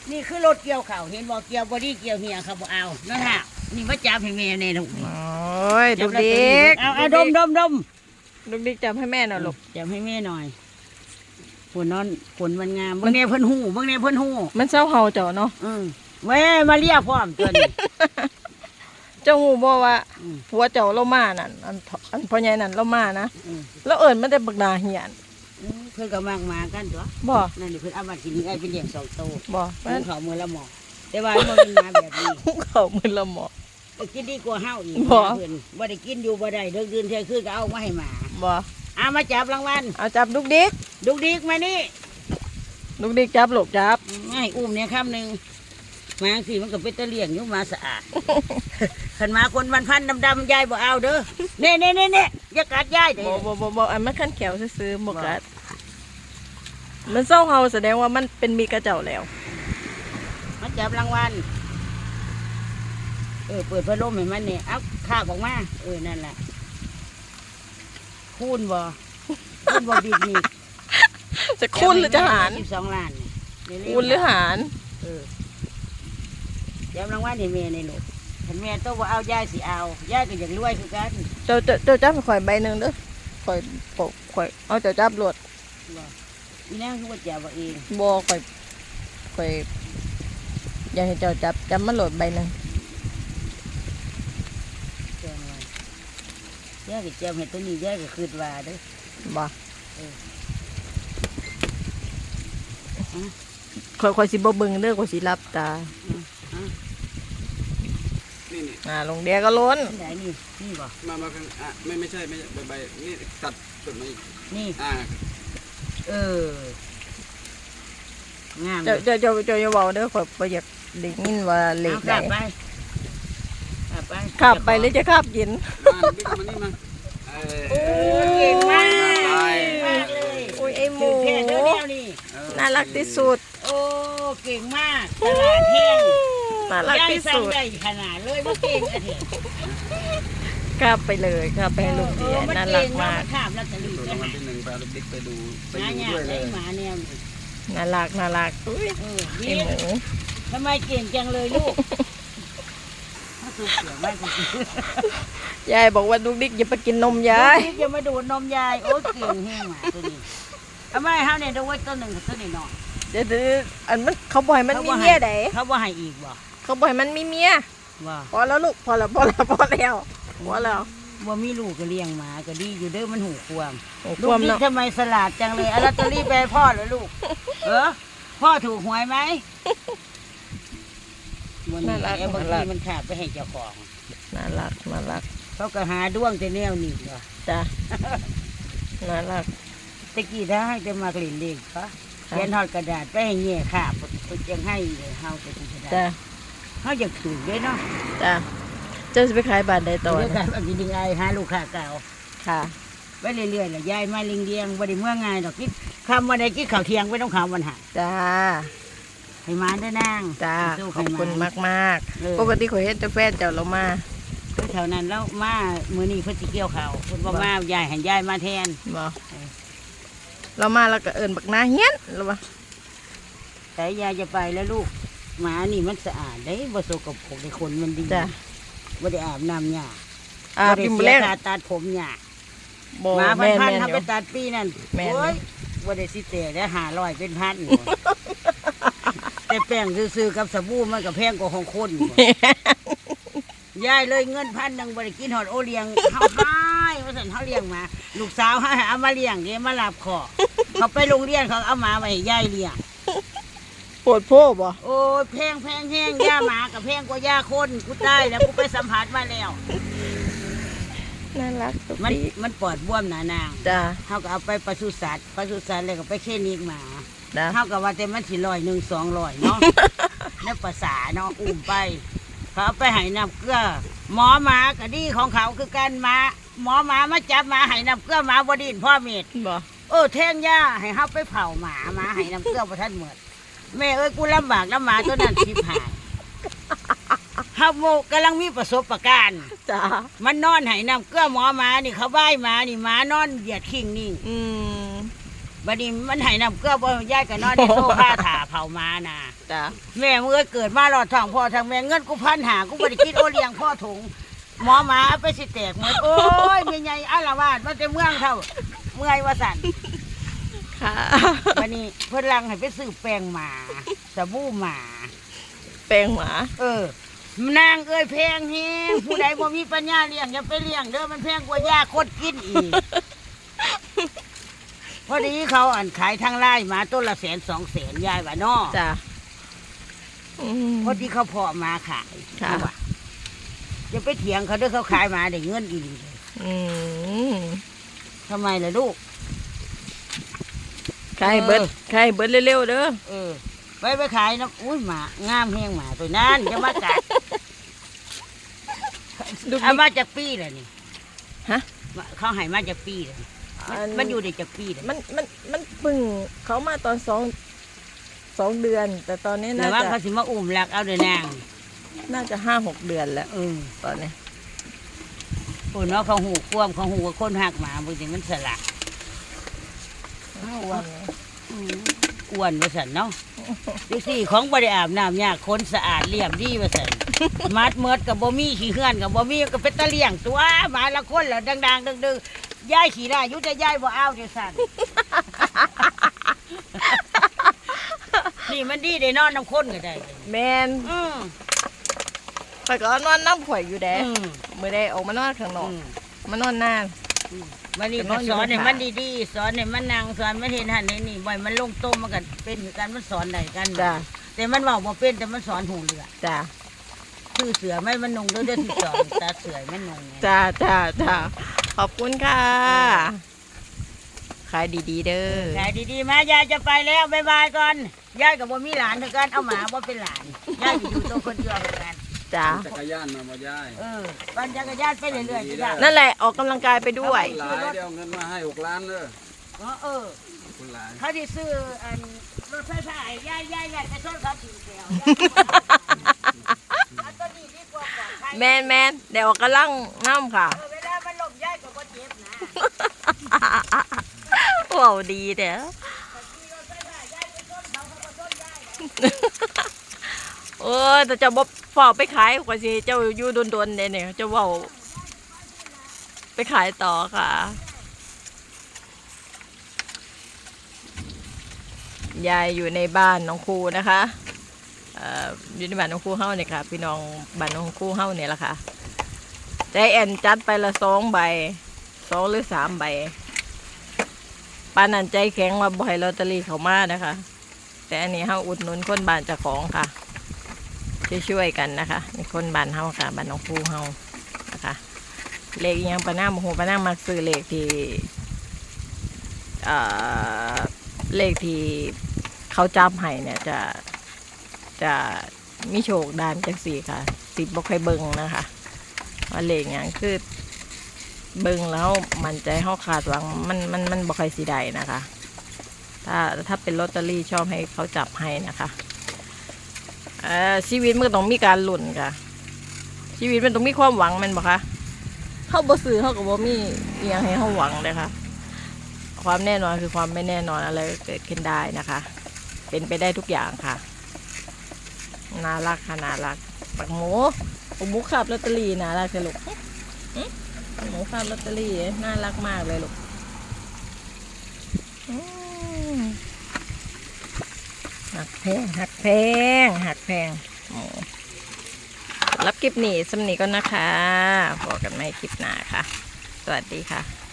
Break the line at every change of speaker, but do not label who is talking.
นี่คือรถเกี่ยวข้าวเห็นบ่เกี่ยวบ่ดีเกี่ยวเหี่ยเขาบ่เอานั่นฮะนี่มาจับให้แม่ในลูก
โอ้ยดุกดิก
เอาดม
ดุกดิกจับให้แม่หน่อยลูก
จับให้แม่หน่อยฝนนอนฝนมันงามบางแน่เพิ่นหูบางแน่เพิ่นหู
มันเศร้าเห่าเจ้าเนาะ
แม่มาเรียกพร้อมตัวนี้
เจ้าหูบอกว่า
อืม
ผัวเจ้าเรามานั่นอันพ่อใหญ่นั่นเรามานะ
อืม
แล้วเอิญมันได้บักดาเหียน
เพิ่นก็มากมากันตัว
บ่
นั่นนี่เพิ่นเอามากินนี่ไอ้เป็นเลี้ยงสองโต
บ่
มั
มัน
นเขามือละหมอแต่ว่ามันเป็นมาแบบนี้
เขามือละหมอ
กินดีกว่าเฮาอีก
บ่
เพิ่นบ่ได้กินอยู่บ่ได้เดินคืนเที่ยงคืนก็เอามาให้หมา
บ่
เอามาจับรางวัล
เอาจับดุกดิก
ดุกดิกมานี่
ดุกดิกจับลูกจับ
ให้อุ้มเนี่ยคำหนึ่งมาสิมันก็เป็นตะเลี่ยงอยู่มาสะอาด ขันมาคนวันพันดำๆยายบ่เอาเด้อเน่อย่ากัดยายเด้
บ่อันมันขั้นแขวซื้อๆบ่กัดมันเศร้าเห่าแสดงว่ามันเป็นมีกระเจ้าแล้ว
มาจับรางวัลเปิดพัดลมให้มันเนี่ยเอาข้าบออกมานั่นแหละคูณบ่บิดนี่
จะคูณหรือจะหาร
12 ล้านเนี่ยเร็วๆ
คูณหรือหาร
จับรางวัลให้แม่ในลูกขันแม่ต้องว่าเอายายสิเอายายก็อยากรวยคือกัน
เจ้าจับให้ข่อยใบหนึ่งเด้อข่อยเอาเจ้าจับรวด
อีนั่งคือว่าจับเอาเอง
บ่ข่อยอยากให้เจ้าจับมันโหลดใบหนึ่ง
แจ้งไว้ยายก็จับให้ตัวนี้ยายก็คืดว่าเด้อ
บ่ข่อยสิบ่เบิ่งเด้อข่อยสิรับตา
นี่
ลงเดียก็ล้น
ที่ไหนนี่บ่
มาข้างไม่ใช่ใบนี่ตัดจุดมาอีก
นี่
เ
งาม
เจ้าอย่าเว้าเด้อข่อยบ่อยากได้ยินว่าเลขใด
ขับไป
ขับไปหรือจะขับกิน
มาบิ๊กมานี่มา
เก่งมาก
ไป
มากเลย
อุ้ยไอ้หมู
ถึงแค่เด้อแนวนี่
น่ารักที่สุด
โอ้เก่งมากตลาดแห้ง
น่ารัก
ยาย
ที่
สั่ง
สุด
ได้ขนาดเลยว่าเก่งอะเถอะ
ขับไปเลยขับไปให้ลูกเดียน่ารักมาก
ข้ามลอตเตอรี่
ถูก
ไป
รางวั
หา
ลที่ 1ไปเอาบิ๊กไปดูไป
หา
ดู
หยา
ด้วยเล
ได้
ย
หมาแนวนี้
น่ารักอุ้ย
ดี
ไอ้หมู
ทำไมเก่งจังเลยลูกถ้าสูบเสียงไม่กู
ยายบอกว่าลูกดิ๊กอย่าไปกินนมยาย
อย่ามาดูดนมยายโอ้เก่งแห้งหมาตัวนี้ทำไมเฮาเนี่ยดูไว้ตัวหนึ่งตัวนี้หน่อย
เดี๋ยวอันมันเขาบ่อยมันมีเมียได
เขาว่าให้อีกบ่
เขาบ่อยมันมีเมีย
ว่า
พอแล้วลูกพอแล้ว
ว่ามีลูกก็เลี้ยงหมาก็ดีอยู่เด้อมันหูควม
โอ้
ลู
คว
ก
ม
นี่
เนาะ
ทำไมสลัดจังเลยเอาลอตเตอรี่ไปให้พ่อเหรอลูกพ่อถูกหวยไหมวันนี้บางทีมันขาดไปให้เจ้าของ
น่ารัก
เขาก็หาด้วงแต่แนวนี้เหรอ
จ้ะน่ารัก
ตะกี้ถ้าให้จะมากลิ่นเล็กปะเขียนทอดกระดาษไปให้เงี้ยขาบยังให้เลยเฮาจะถูกกระดาษ
จ้ะ
เฮาอยากถูกด้วยเนาะ
จ้ะเจ้าจะไปขายบาทใดต่อ
เดี๋ยว
นะ
กันอันนี้ดึงไอหาลูกค้าเก่า
ค่ะ
ไปเรื่อยๆแหละยายมาเลี้ยงบ่ได้เมื่อไงดอกคิดคำวันใดคิดข่าวเที่ยงไม่ต้องข่าววันหา
จ้า
ให้มาได้นาง
จ้า
สู้
ขอบคุณ
ให้
มาก
เออ
ปกติข่อยเฮ็ดแต่แฟนเจ้าเรามา
แถวนั้นแล้วมามื้อนี้เพิ่นสิเกี่ยวข้าวเพิ่นบ่มายายให้ยายมาแทน
บ่เรามาแล้วก็เอิ้นบักนาเฮียนหรือว่า
แต่ยายจะไปแล้วลูกหมานี่มันสะอาดได้บ่สกปรกได้ขนมันดี
จ้ะ
บ่ได้อาบน้ำหญ้า
อาบ
บ่ได้
กิน
เสี
แร
ย
ง
ค่าตัดผมหญ้า
บ่
หมา
แม่น
พัน
ๆ
ๆ
อ
ทำไป
ยู่
ตัดปีนั่น
แม่น
โอ้ยบ่ได้สิเตะได้500เป็นพัน แต่แป้งซื้อๆกับสบู่มันก็แพงกว่าของคนยายเลยเงิน1,000บ่ได้กินฮอดโอเลี้ยงเฮาให้ว่าซั่นเฮาเลี้ยงหมาลูกสาวให้เอามาเลี้ยงเด้มารับขอเขาไปโรงเรียนเขาเอาหมาไว้ให้ยายเลี้ยง
ปวดโพบ่
โอ้ยแพงแห้งย่าหมากับแพงกว่าย่าคนกูได้แล้วกูไปสัมผัสมาแล้ว
น่ารักสุด
มัน
ดี
มันปอดบวมหนานาง
จ้า
เขาก็เอาไปปศุสัตว์แล้วก็ไปเคลินิกหมา
จ้า
เขาก็ว่าแต่มันสิ100 200เนาะ ในภาษาเนาะอุ้มไป เขาเอาไปให้น้ำเกลือหมอหมาก็ดีของเขาคือกันหมาหมอหมามาจับหมาให้น้ำเกลือหมาบดินพ่อเม็ด
บ่
แท่งย่าให้เขาไปเผาหมาให้น้ำเกลือประทันเหมือนแม่เอ้ยกูลำบากน้ำหมาตัวนั้นชิบหายเฮาโมกำลังมีประสบการณ์
จ้า
มันนอนให้น้ำเกลือหมอหมานี่เขาบ้ายหมานี่หมานอนเหยียดขิงนิ่ง
อืม
บัดนี้มันให้น้ำเกลือบ่ยายก็นอนในโซฟาถาไผเขามาน่ะ
จ้ะ
แม่เมื่อเกิดมาหลอดทองพ่อทางแม่เงินกู1,500กูบ่ได้กินโอเลี้ยงพ่อถุงหมอหมาเอาไปสิแตกหมดโอ้ยแม่ใหญ่อาละวาดมาแต่เมืองเท่าเมื่อยว่าสั่น
ค่ะ
วันนี้เพิ่นลังให้ไปซื้อแป้งหมาสบู่หมา
แปลงหมา
นางเอ้ยแพงแฮงผู้ใดบ่มีปัญญาเลี้ยงอย่าไปเลี้ยงเด้อมันแพงกว่ายาคดกินอีก พอดีเขาอ่านขายทางไร่หมาต้นละ100,000-200,000ยายว่าน้อ
จ้ะอืม
พอดีเขาเพาะมาขาย
ค่ะ
ว่าอย่าไปเถียงเขาเด้อเขาขายมาได้เงินอีหลีเลย
อืม
ทำไมล่ะลูก
ขายเบิดขายเบิดเร็วๆเด้อ
ไปขายนะอุ้ยหมางามแฮงหมาตัวนั้นจะมากัด
ดู
เอามาจากปีเลยนี่
ฮะ
เขาให้มาจากปีเลยมันอยู่ในจากปีเลย
มันปึ่งเขามาตอนสองเดือน แต่ตอนนี้
แต่
น่า
ว่า
จะ
เขาสิมาอุ้มลักเอาเด้อนาง
น่าจะ5-6 เดือนแล้วตอนนี้
โอ้เนาะเขาหูความเขาหูว่าคนหักหมาบางทีมันสละอ้วนว่าสันเนาะดูสิของบริอาบน้ำยากคนสะอาดเรียบดีว่าสันมัดเมิดกับบ่มีขี้เหือนกับบ่มีก็เป็นตะเลี่ยงตัวหมาละคนแล้วดังๆดึงๆย้ายขี้ได้ยุจะย้ายบ่เอาเดี๋ยวสัน นี่มันดีได้นอนน้ำข้นก็ได้
แมนแต่ก็นอนน้ำข่อยอยู่แดดมื่อได้ออกมานอนข้างนอกมานอนนาน
มันนี่ก็สอนให้มันดีๆสอนให้มันนั่งสอนมันเห็นหันเห็นนี่บ่อยมันลงต้มมันกันเป็นคือกันมันสอนได้กัน
จ้ะ
แต่มันเว้าบ่เป็นแต่มันสอนหูเรือ
จ้ะ
คือเสือไม่มันนงเด้อที่สอนตาเสือไม่นงไง
จ้าขอบคุณค่ะขายดีๆเด้อ
ขายดีๆมายายจะไปแล้วบ๊ายบายก่อนยายกับบ่มีหลานเท่ากันเอาหมาบ่เป็นหลานยายอยู่ตัวคนเดียวเหมือนกัน
จ้า
จักรยานมาบ่ยาย
ปั่นจักรยานไปเรื่อยๆจ้ะ
นั่นแหละออกกำลังกายไปด้วย
หลายเดี๋ยวเอาเงินมาให้6 ล้านเลย คุณหลาย
เขาที่ซื้ออันรถไฟฟ้ายายไปชนเขาถึงแถวอันตัวนี้ดีกว่าปลอดภัย
แมนเดี๋ยวออกกำลังน้ำค่ะ
เวลามันลมยายก็บ่เจ็บนะ
ว้าวดีเด้อเออแต่เจะบอกฝากไปขายกว่าสิเจ้าอยู่โดนๆเนี่ยเจะว่าไปขายต่อค่ะ ยายอยู่ในบ้านน้องครูนะคะอยู่ในบ้านน้องครูเฮ้าเนี่ยค่ะพี่น้องบ้านน้องครูเฮ้าเนี่ยแหละค่ะใจแอนจัดไปละ2 ใบ 2 หรือ 3 ใบปานนันใจแข็งมาบ่อยลอตเตอรี่เขามานะคะ แต่อันนี้เฮ้าอุดหนุนคนบ้านเจ้าของค่ะช่วยๆกันนะคะในคนบ้านเฮ้าค่ะบ้านน้องครูเฮ้านะคะเลขยังปะน้าโมโหปะน้ามักซื้อเลขที่เลขที่เขาจับให้เนี่ยจะมีโชคด้านจังสี่ค่ะสิบบ่ค่อยเบิ่งนะคะว่าเลขอย่างคือเบิ่งแล้วมันใจเฮาขาดหวังมันบ่ค่อยสิได้นะคะ ถ้าเป็นลอตเตอรี่ชอบให้เขาจับให้นะคะชีวิตมันก็ต้องมีการลุ้นค่ะชีวิตมันต้องมีความหวังแมันบ่คะเฮาบ่ซื้อเฮาก็บ่มีอีหยังให้เฮาหวังเลยค่ะความแน่นอนคือความไม่แน่นอนอะไรก็เกิดขึ้นได้นะคะ เป็นไปได้ทุกอย่างค่ะน่ารักค่ะน่ารักปักหมูขับลอตเตอรี่น่ารักเลยลูกปักหมูขับลอตเตอรี่น่ารักมากเลยลูกหักแพงรับคลิปนี้สำนีก็นะคะพบกันใหม่คลิปหน้าค่ะสวัสดีค่ะ